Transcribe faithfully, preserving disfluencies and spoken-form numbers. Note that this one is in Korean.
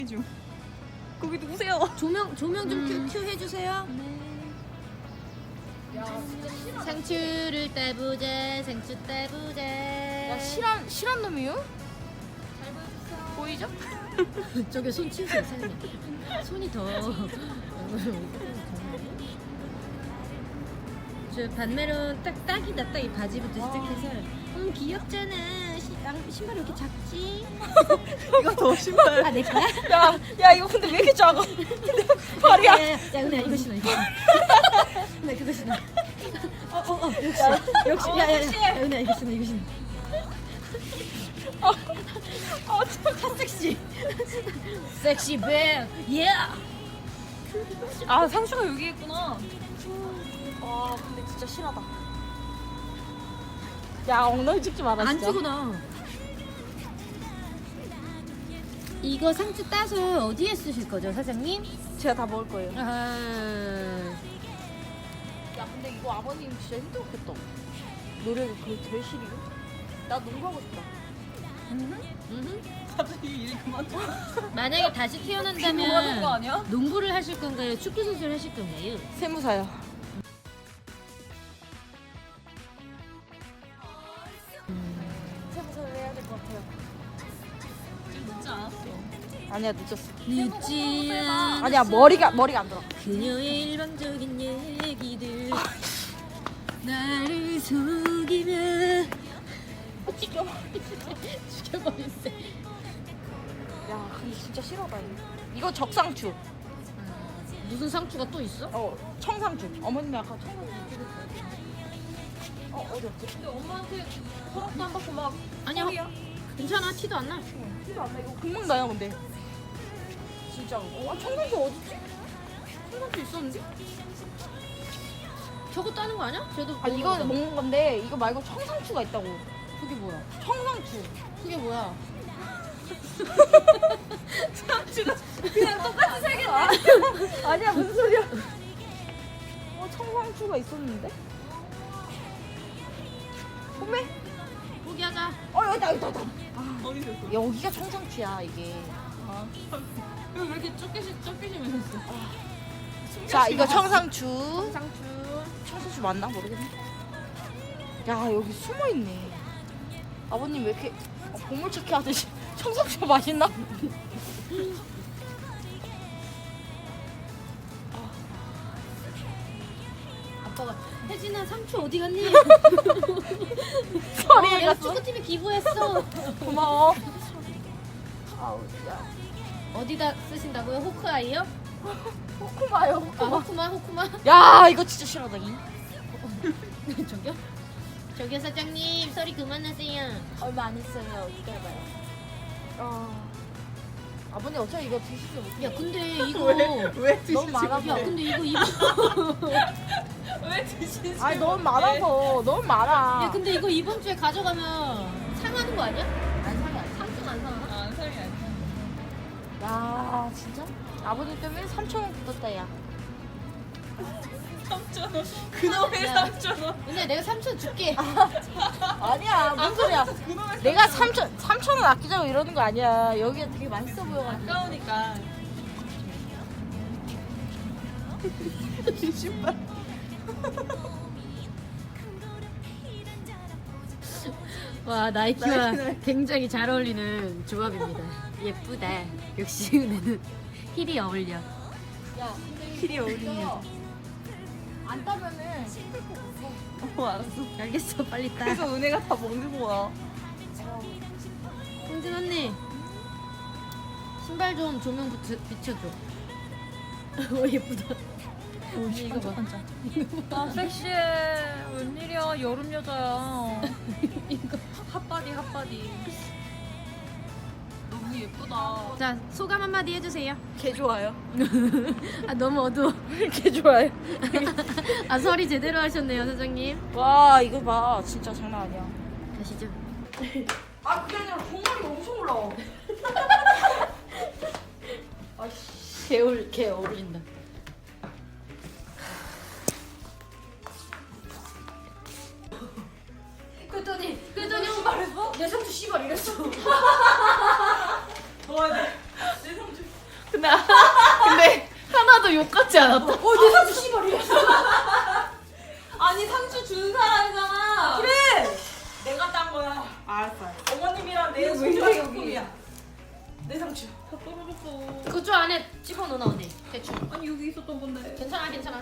좀. 거기 누구세요? 조명 조명 좀 음. 큐, 큐 해주세요. 야 진짜 실한. 상추를 따보자. 상추 따보자. 야 실한 실한 놈이요? 잘 보여주세요. 보이죠? 저기 손 치우세요, 사장님. 손이 더. 저 반메론 딱 딱이다. 딱 이 바지부터 시작해서. 음 귀엽잖아. 시, 양, 신발이 왜 이렇게 작지? 이거 더 신발. 아 내 거야? 야, 야 이거 근데 왜 이렇게 작아? 근데 발이야. 야, 야, 야 은혜야 이거 신어 이거. 은혜 그거 신어. 어어 어, 역시 역시 야야야 야, 은혜야 이거 신어 이거 신어. 어, 어, 핫 섹시. 섹시 뱀. 예. 아 상추가 여기 있구나. 와 근데 진짜 실하다. 야 엉덩이 찍지 마라 안 진짜. 주고 나. 이거 상추 따서 어디에 쓰실 거죠, 사장님? 제가 다 먹을 거예요. 아, 야 근데 이거 아버님 진짜 힘들었겠다. 노래가 그게 제일 싫이요? 나 농구하고 싶다. 음흠. 갑자기 일 그만둬. 만약에 다시 뭐 하는 거 태어난다면 아니야? 농구를 하실 건가요? 축구 선수를 하실 건가요? 세무사요. 세무사를 해야 될 것 같아요. 지금 늦지 않았어. 아니야 늦었어. 늦지 않아. 아니야 머리가 머리가 안 들어. 그녀의 일방적인 얘기들 나를 속이며 죽여버렸어. 야 근데 진짜 싫어다 이거. 이거 적상추. 무슨 상추가 또 있어? 어 청상추. 어머님이 아까 청상추 찍었어요. 어 어디 없지? 근데 엄마한테 허락도 안 받고 막. 아니야 소리야. 괜찮아 티도 안 나. 티도 안 나. 이거 금방 나요 근데. 진짜로. 어 청상추 어딨지? 청상추 있었는데? 저거 따는 거 아니야? 쟤도 아 이거 먹는 건데 이거 말고 청상추가 있다고. 그게 뭐야? 청상추. 그게 뭐야? 상추가 그냥 똑같이 생겼네. 아니야 무슨 소리야? 어 청상추가 있었는데? 어메? 포기하자. 어 여기다 여기다 여기다. 어디 있었어? 여기가 청상추야 이게. 아, 이거 왜 이렇게 좁게시 좁게시면 했어? 자 이거 청상추. 상추. 청상추 맞나 모르겠네. 야 여기 숨어 있네. 아버님 왜 이렇게 어, 보물찾기 하듯이 청상추 맛있나? 아빠가 혜진아 상추 어디 갔니? 소리 어, 내가 갔어. 축구팀에 기부했어. 고마워. 아우 야 어디다 쓰신다고요? 호크아이요? 호쿠마요 아 호쿠마. 호쿠마 호쿠마. 야 이거 진짜 싫어다 이. 저기요? 저기요 사장님 소리 그만하세요. 얼마 안 했어요. 기다려봐요. 아 아버님 어차피 이거 드시지 못해요. 야 근데 이거 왜 드시지? 너무 많아서. 야 근데 이거 이거 왜 드시지? 아니 너무 많아서 너무 많아. 야 근데 이거 이번 주에 가져가면 상하는 거 아니야? 안 상해 안 상해. 상품 안 상하나? 아, 상이 아니야. 야 진짜? 아버님 때문에 삼천 원 굳었다 야. 삼천 원. 그놈의 야. 삼천 원. 근데 내가 삼천 줄게. 아니야 무슨 소리야. 그놈의 내가 삼천 삼천 원 아끼자고 이러는 거 아니야. 여기가 되게 맛있어 보여가지고. 아까우니까. 신발. 와 나이키와 나이키네. 굉장히 잘 어울리는 조합입니다. 예쁘다. 역시 은혜는 힐이 어울려. 야 근데 힐이 어울리는 여자. 안 따면은 어, 알았어. 알겠어 빨리 따. 그래서 은혜가 다 먹는 거야. 홍진 언니 신발 좀 조명 붙여, 비춰줘. 오 예쁘다. 언니 이거 봐. 아 섹시해. 웬일이야 여름 여자야. 이거. 핫바디 핫바디. 너무 예쁘다. 자 소감 한마디 해주세요. 개 좋아요. 아 너무 어두워. 개 좋아요. 아 설이 제대로 하셨네요 사장님. 와 이거 봐 진짜 장난 아니야. 가시죠. 아 그게 아니라 종아리 엄청 올라와. 아씨. 개울 개 어울린다. 그랬더니 그랬더니 엄마 내 상추 씨발 이랬어. 도와야 돼. 내 성주. 근데 근데 하나도 욕 같지 않았다. 어내 상추 씨발이야. 아니 상추 준 사람이잖아. 그래. 내가 딴 거야. 알았어. 어머님이랑 내 이거 왜 소중한 이래, 여기. 소품이야. 내 상추. 다 떨어졌어. 그쪽 안에 집어넣어 언니. 대충. 아니 여기 있었던 건데. 괜찮아 괜찮아.